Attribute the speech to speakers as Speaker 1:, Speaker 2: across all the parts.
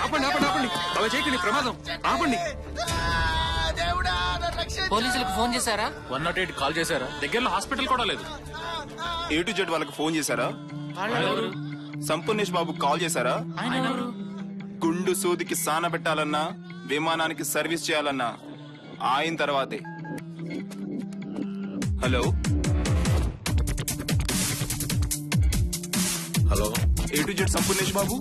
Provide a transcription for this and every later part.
Speaker 1: ఆపండి ఆపండి ఆపండి, అలా చేయకండి, ప్రమాదం. ఆపండి.
Speaker 2: పోలీసులకు ఫోన్ చేశారా?
Speaker 1: 108 కాల్ చేశారా? దగ్గరలో హాస్పిటల్ కూడా లేదు.
Speaker 3: A to Z వాళ్ళకి ఫోన్ చేశారా? సంపూర్ణేష్ బాబు కాల్ చేశారా? గుండు సూదికి సాన పెట్టాలన్నా, విమానానికి సర్వీస్ చేయాలన్నా ఆయన తర్వాతే. Hello
Speaker 4: hello,
Speaker 3: A to Z Sampoornesh Babu.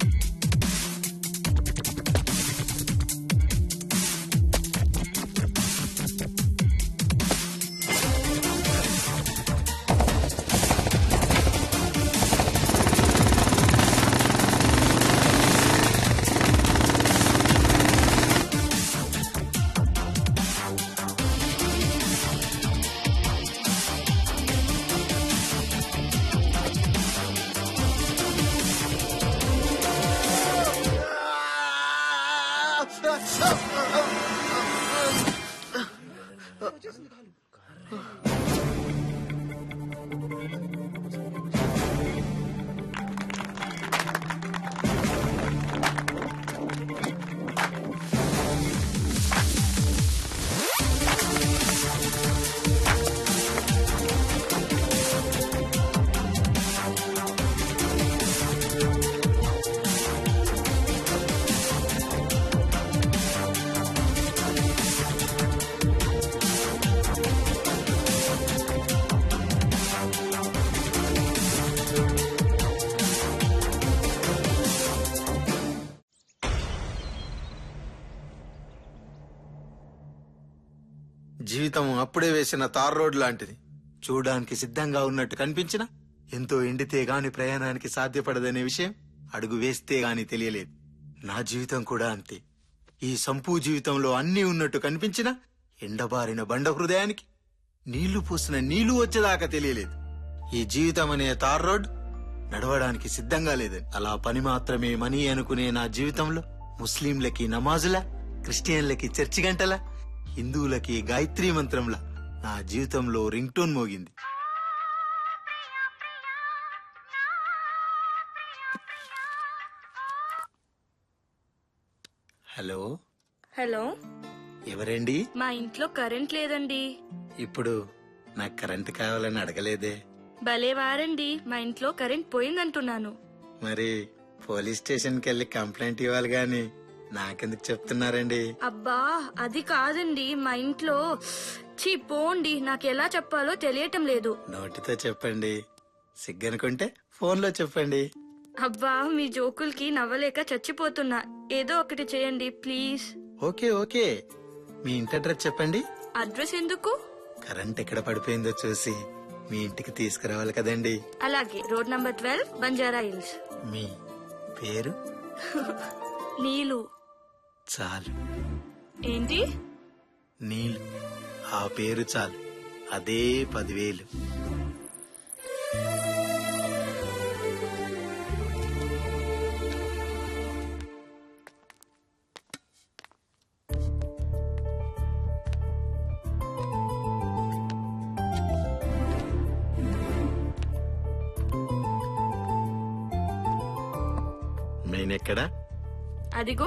Speaker 4: జీవితం అప్పుడే వేసిన తార్ రోడ్ లాంటిది. చూడడానికి సిద్ధంగా ఉన్నట్టు కనిపించినా ఎంతో ఎండితే గాని ప్రయాణానికి సాధ్యపడదనే విషయం అడుగు వేస్తే గాని తెలియలేదు. నా జీవితం కూడా అంతే. ఈ సంపూ జీవితంలో అన్నీ ఉన్నట్టు కనిపించినా ఎండబారిన బండ హృదయానికి నీళ్లు పూసిన నీళ్లు వచ్చేదాకా తెలియలేదు. ఈ జీవితం అనే తార్ రోడ్ నడవడానికి సిద్ధంగా లేదని. అలా పని మాత్రమే మనీ అనుకునే నా జీవితంలో ముస్లింలకి నమాజులా, క్రిస్టియన్లకి చర్చి గంటలా, హిందువులకి గాయత్రీ మంత్రంలా నా జీవితంలో రింగ్ టోన్ మోగింది. హలో
Speaker 5: హలో,
Speaker 4: ఎవరండి?
Speaker 5: మా ఇంట్లో కరెంట్ లేదండి.
Speaker 4: ఇప్పుడు నాకు కరెంట్ కావాలని అడగలేదే.
Speaker 5: భలే వారండి, మా ఇంట్లో కరెంట్ పోయిందంటున్నాను.
Speaker 4: మరి పోలీస్ స్టేషన్ కి వెళ్ళి కంప్లైంట్ ఇవ్వాలి గాని నాకెందుకు చెప్తున్నారండి?
Speaker 5: అబ్బా అది కాదండి, మా ఇంట్లో పోండి, నాకెలా చెప్పాలో తెలియటం లేదు.
Speaker 4: నోటితో చెప్పండి, సిగ్గనుకుంటే ఫోన్లో చెప్పండి.
Speaker 5: అబ్బా మీ జోకులకి నవ్వలేక చచ్చిపోతున్నా. ఏదో ఒకటి చేయండి ప్లీజ్.
Speaker 4: ఓకే ఓకే, మీ ఇంటి అడ్రస్ చెప్పండి.
Speaker 5: అడ్రస్ ఎందుకు?
Speaker 4: కరెంట్ ఎక్కడ పడిపోయిందో చూసి మీ ఇంటికి తీసుకురావాలి కదండి.
Speaker 5: అలాగే, రోడ్ నంబర్ 12, బంజారా హిల్స్.
Speaker 4: మీ పేరు?
Speaker 5: నీలు.
Speaker 4: చాలు.
Speaker 5: ఏంటి?
Speaker 4: నీలు. ఆ పేరు చాలు, అదే 10,000. మెయిన్ ఎక్కడా?
Speaker 5: అదిగో.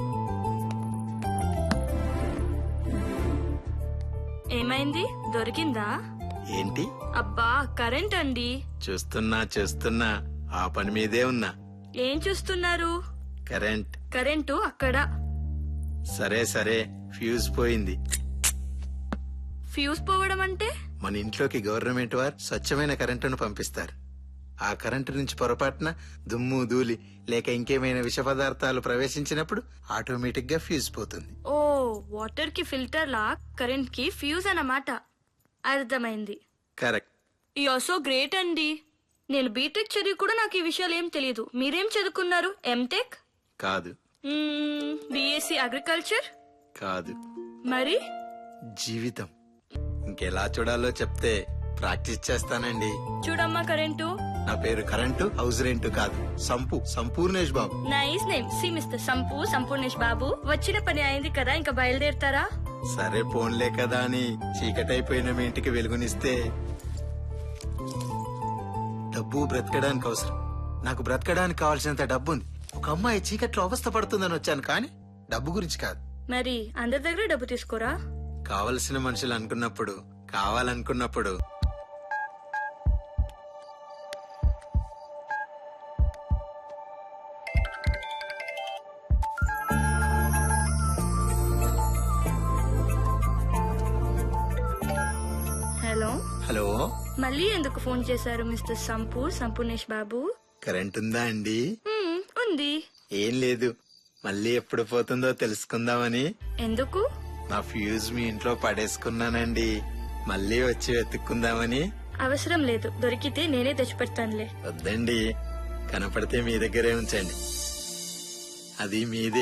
Speaker 5: ఏమైంది, దొరికిందా?
Speaker 4: ఏంటి?
Speaker 5: అబ్బా కరెంట్ అండి.
Speaker 4: చూస్తున్నా ఆ పని మీదే ఉన్నా.
Speaker 5: ఏం చూస్తున్నారు?
Speaker 4: కరెంట్.
Speaker 5: కరెంటు అక్కడ.
Speaker 4: సరే ఫ్యూజ్ పోయింది.
Speaker 5: ఫ్యూజ్ పోవడం అంటే?
Speaker 4: మన ఇంట్లోకి గవర్నమెంట్ వారు స్వచ్ఛమైన కరెంటును పంపిస్తారు. ఆ కరెంటు నుంచి పొరపాటున దుమ్ము ధూళి లేక ఇంకేమైనా విష పదార్థాలు ప్రవేశించినప్పుడు ఆటోమేటిక్ గా ఫ్యూజ్ పోతుంది.
Speaker 5: ఓ, వాటర్ కి ఫిల్టర్ లా కరెంట్ కి ఫ్యూజ్ అన్నమాట. అర్థమైంది.
Speaker 4: Correct.
Speaker 5: You are so great అండి. నేను బీటెక్ చదివి కూడా నాకు ఈ విషయాలు ఏం తెలియదు. మీరేం చదువుకున్నారు? ఎంటెక్?
Speaker 4: కాదు.
Speaker 5: BSc agriculture?
Speaker 4: కాదు.
Speaker 5: మరి?
Speaker 4: జీవితం ఇంకెలా చూడాలో చెప్తే ప్రాక్టీస్ చేస్తానండి.
Speaker 5: చూడమ్మా కరెంటు.
Speaker 4: నా పేరు కరెంటు, హౌస్ రెంట్ కాదు. Sampoornesh Babu.
Speaker 5: Nice name. See mister Sampoornesh Babu, వచ్చిన పని అయింది కదా, ఇంకా బయలుదేరుతారా?
Speaker 4: సరే పోన్లే కదా అని చీకటైపోయిన మీ ఇంటికి వెలుగునిస్తే. డబ్బు బ్రతకడానికి అవసరం. నాకు బ్రతకడానికి కావాల్సినంత డబ్బు ఉంది. ఒక అమ్మాయి చీకట్లో అవస్థ పడుతుందని వచ్చాను కానీ డబ్బు గురించి కాదు.
Speaker 5: మరి అందరి దగ్గర డబ్బు తీసుకోరా?
Speaker 4: కావలసిన మనుషులు అనుకున్నప్పుడు, కావాలనుకున్నప్పుడు.
Speaker 5: హలో,
Speaker 4: హలో,
Speaker 5: మళ్ళీ ఎందుకు ఫోన్ చేశారు మిస్టర్ సంపూర్ణేష్ బాబు?
Speaker 4: కరెంట్ ఉందా అండి?
Speaker 5: ఉంది.
Speaker 4: ఏం లేదు, మళ్ళీ ఎప్పుడు పోతుందో తెలుసుకుందామని.
Speaker 5: ఎందుకు?
Speaker 4: నా ఫ్యూజ్ మీ ఇంట్లో పడేసుకున్నానండి, మళ్ళీ వచ్చి వెతుక్కుందామని.
Speaker 5: అవసరం లేదు, దొరికితే నేనే తెచ్చిపెడతానులే.
Speaker 4: వద్దండి, కనపడితే మీ దగ్గరే ఉంచండి, అది మీదే.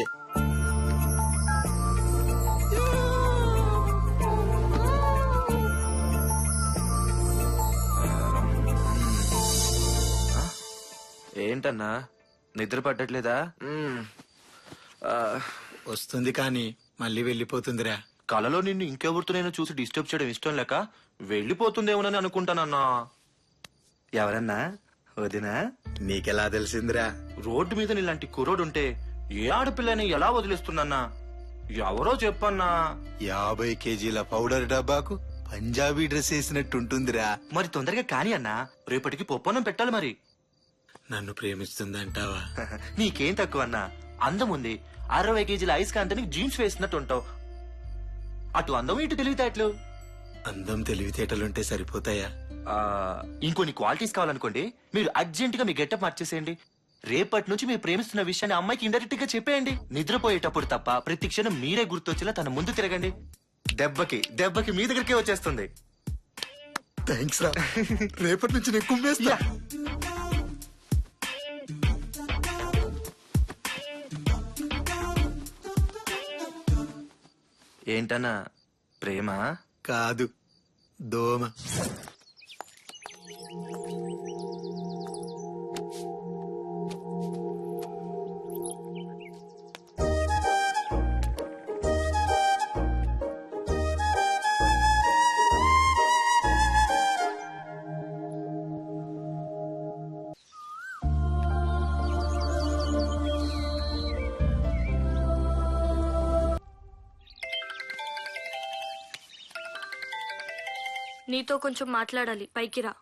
Speaker 6: ఏంటన్నా నిద్ర పట్టట్లేదా?
Speaker 4: వస్తుంది కానీ మళ్ళీ వెళ్ళిపోతుందిరా.
Speaker 6: కలలో నిన్ను ఇంకెవరితో నేను చూసి డిస్టర్బ్ చేయడం ఇష్టం లేక వెళ్ళిపోతుందేమోనని అనుకుంటానన్నా. ఎవరన్నా? వదినా?
Speaker 4: నీకెలా తెలిసిందిరా?
Speaker 6: రోడ్డు మీద నీలాంటి కుర్రోడుంటే ఏ ఆడపిల్లని ఎలా వదిలేస్తుందన్నా? ఎవరో చెప్పన్నా.
Speaker 4: 50 కేజీల పౌడర్ డబ్బాకు పంజాబీ డ్రెస్ వేసినట్టుంటుందిరా.
Speaker 6: మరి తొందరగా కాని అన్నా, రేపటికి పొప్పనం పెట్టాలి మరి.
Speaker 4: నన్ను ప్రేమిస్తుందంటావా?
Speaker 6: నీకేం తక్కువ అన్నా, అందం ఉంది. 60 కేజీల ఐస్ కాంతని జీన్స్ వేసినట్టు ఉంటావు. అటు అందం ఇటు తెలివితేటలు.
Speaker 4: అందం తెలివితేటలుంటే సరిపోతాయా?
Speaker 6: ఇంకొన్ని క్వాలిటీస్ కావాలనుకోండి, మీరు అర్జెంట్ గా మీ గెటప్ మార్చేసేయండి. రేపటి నుంచి మీరు ప్రేమిస్తున్న విషయాన్ని అమ్మాయికి ఇండైరెక్ట్ గా చెప్పేయండి. నిద్రపోయేటప్పుడు తప్ప ప్రతి క్షణం మీరే గుర్తొచ్చేలా తన ముందు తిరగండి. దెబ్బకి మీ దగ్గరికే వచ్చేస్తుంది.
Speaker 4: థ్యాంక్స్ రా, రేపటి నుంచి నేను కుమ్మేస్తా.
Speaker 6: ఏంటన్నా, ప్రేమ
Speaker 4: కాదు, దోమ.
Speaker 5: నీతో కొంచెం మాట్లాడాలి, పైకి రా.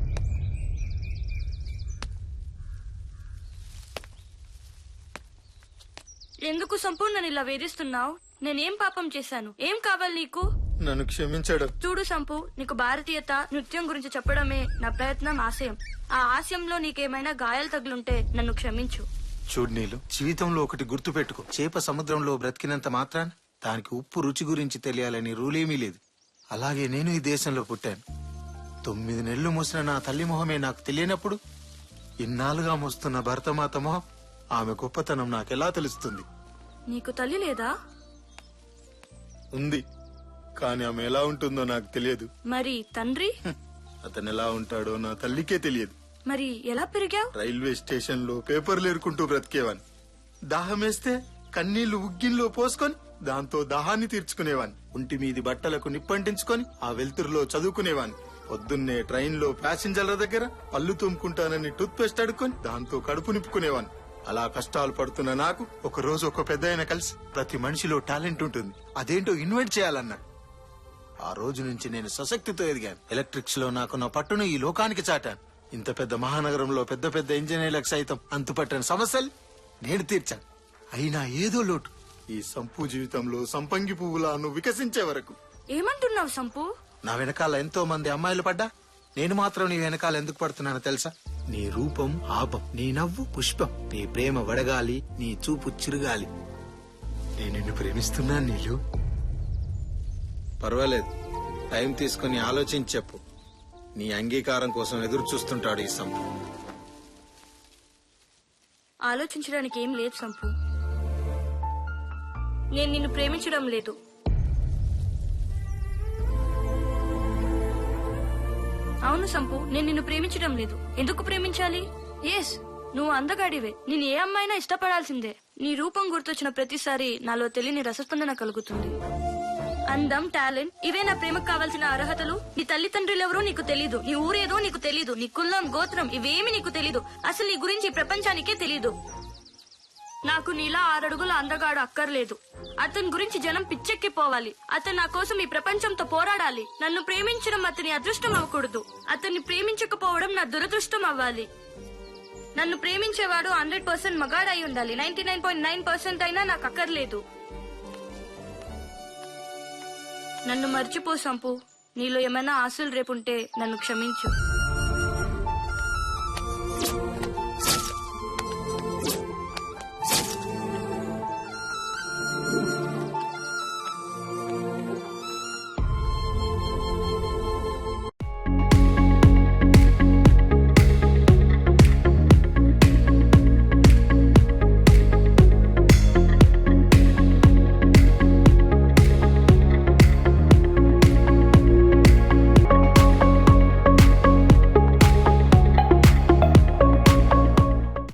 Speaker 5: ఎందుకు సంపూర్ణ ఇలా వేధిస్తున్నావు? నేనేం పాపం చేశాను? ఏం కావాలి నీకు?
Speaker 4: నన్ను క్షమించడం.
Speaker 5: చూడు సంపు, నీకు భారతీయత నృత్యం గురించి చెప్పడమే నా ప్రయత్నం, ఆశయం. ఆ ఆశయంలో నీకేమైనా గాయాలు తగులుంటే నన్ను క్షమించు.
Speaker 4: చూడు నీలు, జీవితంలో ఒకటి గుర్తు పెట్టుకో. చేప సముద్రంలో బ్రతికినంత మాత్రాన దానికి ఉప్పు రుచి గురించి తెలియాలని రూలేమీ లేదు. అలాగే నేను ఈ దేశంలో పుట్టాను. 9 నెలలు మోసిన నా తల్లి మొహమే నాకు తెలియనప్పుడు ఇన్నాళ్ళుగా మోస్తున్న భరతమాత మొహం, ఆమె గొప్పతనం నాకెలా తెలుస్తుంది?
Speaker 5: నీకు తల్లి లేదా?
Speaker 4: ఉంది, కానీ ఆమె ఎలా ఉంటుందో నాకు తెలియదు.
Speaker 5: మరి తండ్రి?
Speaker 4: అతను ఎలా ఉంటాడో నా తల్లికే తెలియదు.
Speaker 5: మరి ఎలా పెరిగావు?
Speaker 4: రైల్వే స్టేషన్ లో పేపర్లు ఏరుకుంటూ బ్రతికేవాన్ని. దాహమేస్తే కన్నీళ్లు ఉగ్గిన్లో పోసుకొని దాంతో దాహాన్ని తీర్చుకునేవాన్ని. ఒంటి మీది బట్టలకు నిప్పంటించుకొని ఆ వెలుతురులో చదువుకునేవాన్ని. పొద్దున్నే ట్రైన్ లో ప్యాసింజర్ల దగ్గర పళ్ళు తుమ్ముకుంటానని టూత్ పేస్ట్ అడుక్కొని దాంతో కడుపు నింపుకునేవాన్ని. అలా కష్టాలు పడుతున్న నాకు ఒక రోజు ఒక పెద్దాయన కలిసి, ప్రతి మనిషిలో టాలెంట్ ఉంటుంది, అదేంటో ఇన్వెంట్ చేయాలన్నాడు. ఆ రోజు నుంచి నేను సశక్తితో ఎదిగాను. ఎలక్ట్రిక్స్ లో నాకున్న పట్టును ఈ లోకానికి చాటాను. ఇంత పెద్ద మహానగరంలో పెద్ద పెద్ద ఇంజనీర్లకు సైతం అంతుపట్టని సమస్యలు నేను తీర్చాను. అయినా ఏదో లోటు. ఈ సంపు జీవితంలో సంపంగి పువ్వులా నువ్వు వికసించే వరకు.
Speaker 5: ఏమంటున్నావు సంపు?
Speaker 4: నా వెనకాల ఎంతో మంది అమ్మాయిలు పడ్డా నేను మాత్రం నీ వెనకాల ఎందుకు పడుతున్నానో తెలుసా? నీ రూపం ఆపం, నీ నవ్వు పుష్పం, నీ ప్రేమ వడగాలి, నీ చూపు చిరుగాలి. నేను నిన్ను ప్రేమిస్తున్నాను నీలు. పర్వాలేదు, టైం తీసుకుని ఆలోచించి చెప్పు. నీ అంగీకారం కోసం ఎదురు చూస్తుంటాడు ఈ సంపు.
Speaker 5: ఆలోచించడానికి ఏం లేదు సంపు. నేను నిన్ను ప్రేమించడం లేదు. అవును సంపు, నేను నిన్ను ప్రేమించడం లేదు. ఎందుకు ప్రేమించాలి? ఎస్, నువ్వు అందగాడివే. నేను ఏ అమ్మాయినా ఇష్టపడాల్సిందే. నీ రూపం గుర్తొచ్చిన ప్రతిసారి నాలో తెలియని రసస్పందన కలుగుతుంది. అందం, టాలెంట్, ఇవే నా ప్రేమకు కావాల్సిన అర్హతలు. నీ తల్లిదండ్రులెవరో నీకు తెలీదు, నీ ఊరేదో నీకు తెలీదు, నీ కులం, గోత్రం ఇవేమి నీకు తెలీదు. అసలు నీ గురించి ఈ ప్రపంచానికే తెలీదు. 9 నాకు నీలా 6 అడుగుల అందగాడు అక్కర్లేదు. అతని గురించి జనం పిచ్చెక్కిపోవాలి. అతను నా కోసం ఈ ప్రపంచంతో పోరాడాలి. నన్ను ప్రేమించడం అతని అదృష్టం అవ్వకూడదు. అతన్ని ప్రేమించకపోవడం నా దురదృష్టం అవ్వాలి. నన్ను ప్రేమించేవాడు 100% మగాడై ఉండాలి. 99.9% అయినా నాకు అక్కర్లేదు. నన్ను మర్చిపో సంపు. నీలో ఏమైనా ఆశలు రేపుంటే నన్ను క్షమించు.